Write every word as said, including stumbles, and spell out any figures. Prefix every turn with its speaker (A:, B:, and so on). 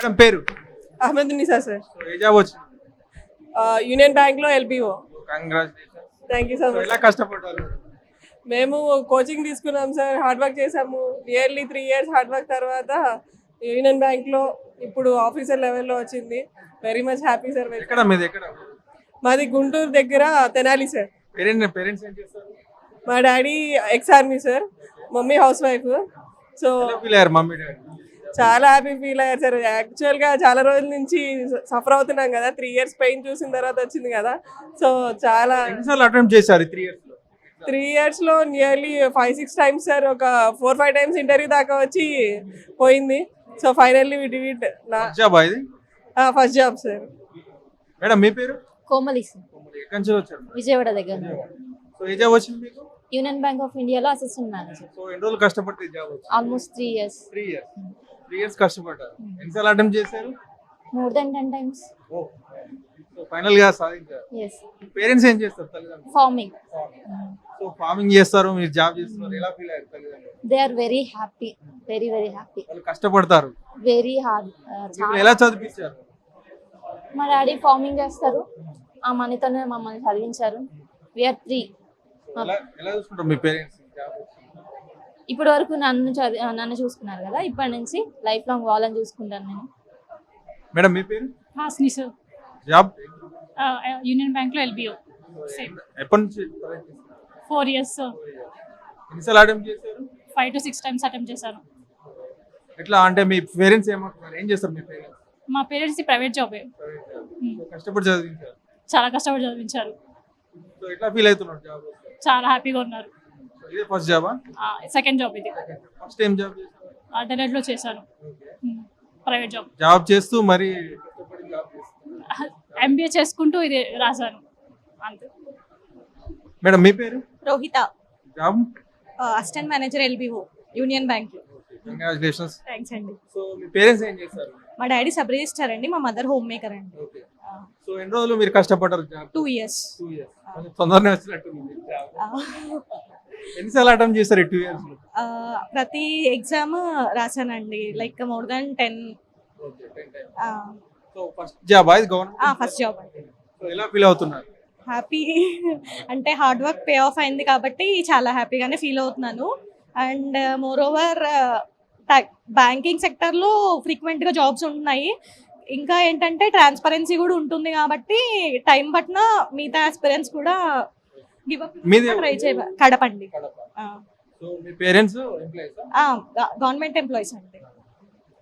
A: Madam పేరు
B: Ahmed Nisa sir,
A: so a job వచ్చింది?
B: Union bank లో LBO.
A: Congratulations.
B: Thank you so
A: so
B: much.
A: ఎలా కష్టపడ్డారు?
B: మేము కోచింగ్ తీసుకున్నాం సార్, హార్డ్ వర్క్ చేసాము. Nearly three years hard work తర్వాత యూనియన్ బ్యాంక్ లో ఇప్పుడు ఆఫీసర్ లెవెల్లో వచ్చింది. Very much happy sir.
A: ఎక్కడ మీది ఎక్కడ?
B: మాది గుంటూరు దగ్గర తెనాలి సార్.
A: పేరెంట్ పేరెంట్స్ ఏం చేస్తారు?
B: మా daddy ex army sir, mummy house wife. So
A: ఎలా ఫీల్ అయ్యారు మమ్మీ డాడీ?
B: చాలా హ్యాపీ ఫీల్ అయ్యారు సార్. యాక్చువల్గా చాలా రోజుల నుంచి సఫర్ అవుతున్నాం కదా, త్రీ ఇయర్స్ పెయిన్ చూసిన తర్వాత వచ్చింది కదా. సో చాలా
A: ఎన్నిసార్లు అటెంప్ట్ చేశారు త్రీ ఇయర్స్ లో?
B: త్రీ ఇయర్స్ లో nearly five six times sir, ఒక ఫోర్ ఫైవ్ టైమ్స్ ఇంటర్వ్యూ దాకా వచ్చి పోయింది. So finally we did it. నా
A: జాబ్ ఇది
B: ఫస్ట్ జాబ్ సార్.
A: మేడం మీ పేరు?
C: కోమలి సార్,
A: ఎక్కడి నుంచి వచ్చారు?
C: విజయవాడ దగ్గర.
A: సో ఏ జాబ్ వచ్చింది మీకు?
C: యూనియన్ బ్యాంక్ ఆఫ్ ఇండియాలో అసిస్టెంట్ మేనేజర్.
A: సో ఎన్ని రోజులు కష్టపడితే జాబ్ వచ్చింది?
C: Almost three years.
A: Three years three years కష్టపడ్డారు. ఎన్నిసార్లు అటెంప్ట్ చేశారు?
C: More than ten times.
A: Oh so final గా సాధించారు.
C: ఎస్.
A: పేరెంట్స్ ఏం చేస్తారు తల్లిదండ్రులు?
C: ఫార్మింగ్.
A: సో ఫార్మింగ్ చేస్తారు, మీరు జాబ్ చేస్తున్నారు, ఎలా ఫీల్ అయ్యారు తల్లిదండ్రులు?
C: They are very happy, very very happy.
A: వాళ్ళు కష్టపడతారు,
C: వెరీ హార్డ్.
A: మీకు ఎలా చదివించారు?
C: మా డాడీ ఫార్మింగ్ చేస్తారు, ఆ మనీతోనే మమ్మల్ని చదివించారు. We are three.
A: ఎలా ఎలా చూసుకుంటారు మీ పేరెంట్స్?
C: ఇప్పటి వరకు నన్ను చదివి నన్ను చూసుకున్నారు కదా, ఇప్పటి నుంచి లైఫ్ లాంగ్ వాళ్ళని చూసుకుంటాను నేను.
A: మేడం మీ పేరు?
D: Hasni sir,
A: job
D: union bank లో ఎల్బిఓ. సేమ్
A: ఎప్పటి నుంచి?
D: Four years sir.
A: ఎన్నిసార్లు అటెంప్ట్ చేశారు?
D: Five to six times attempt చేశాను.
A: ఎట్లా అంటే మీ పేరెంట్స్ ఏమంటున్నారు, ఏం చేస్తారు మీ పేరెంట్స్?
D: మా పేరెంట్స్ ప్రైవేట్ జాబే,
A: కష్టపడి చదివించారు,
D: చాలా కష్టపడి చదివించారు.
A: సో ఎట్లా ఫీల్ అవుతున్నారు జాబ్?
D: చాలా హ్యాపీగా ఉన్నారు.
A: ఇదే ఫస్ట్ జాబా?
D: సెకండ్ జాబ్ ఇది.
A: ఫస్ట్ ఏం జాబ్ చేశారు?
D: డెలైట్ లో చేశాను, ప్రైవేట్ జాబ్.
A: జాబ్ చేస్తూ మరి కష్టపడి జాబ్ చేస్తారు.
D: ఎంబీఏ చేసుకుంటూ ఇది రాశాను అంతే.
A: మేడం మీ పేరు?
E: Rohitha,
A: job
E: assistant manager LBO union bank.
A: Congratulations.
E: Thanks అండి.
A: సో మీ పేరెంట్స్ ఏం చేస్తారు?
E: మా డాడీ సబ్ రిజిస్టర్ అండి, మా మదర్ హోమ్ మేకర్ అండి.
A: ఓకే. సో ఎన్ని రోజులు మీరు కష్టపడ్డారు జాబ్?
E: Two years.
A: టూ ఇయర్స్ తొందరనే వచ్చినట్టుంది జాబ్. ఎన్నిసార్లు అటెంప్ట్ చేస్తారు ఈ టూ ఇయర్స్ లో?
E: ప్రతి ఎగ్జామ్ రాశానండి, like more than ten.
A: So first job ఇది గవర్నమెంట్?
E: ఫస్ట్ జాబ్ అండి.
A: సో ఎలా ఫీల్ అవుతున్నారు?
E: హ్యాపీ అంటే హార్డ్ వర్క్ పే ఆఫ్ అయింది కాబట్టి చాలా హ్యాపీగానే ఫీల్ అవుతున్నాను. అండ్ మోర్ ఓవర్ బ్యాంకింగ్ సెక్టర్లో ఫ్రీక్వెంట్గా జాబ్స్ ఉంటున్నాయి. ఇంకా ఏంటంటే ట్రాన్స్పరెన్సీ కూడా ఉంటుంది కాబట్టి టైం పట్టిన మిగతా ఆస్పిరెంట్స్ కూడా గివ్ అప్ ట్రై చేయ. కడపండి.
A: సో మీ పేరెంట్స్ ఎంప్లాయీస్?
E: గవర్నమెంట్ ఎంప్లాయీస్ అండి.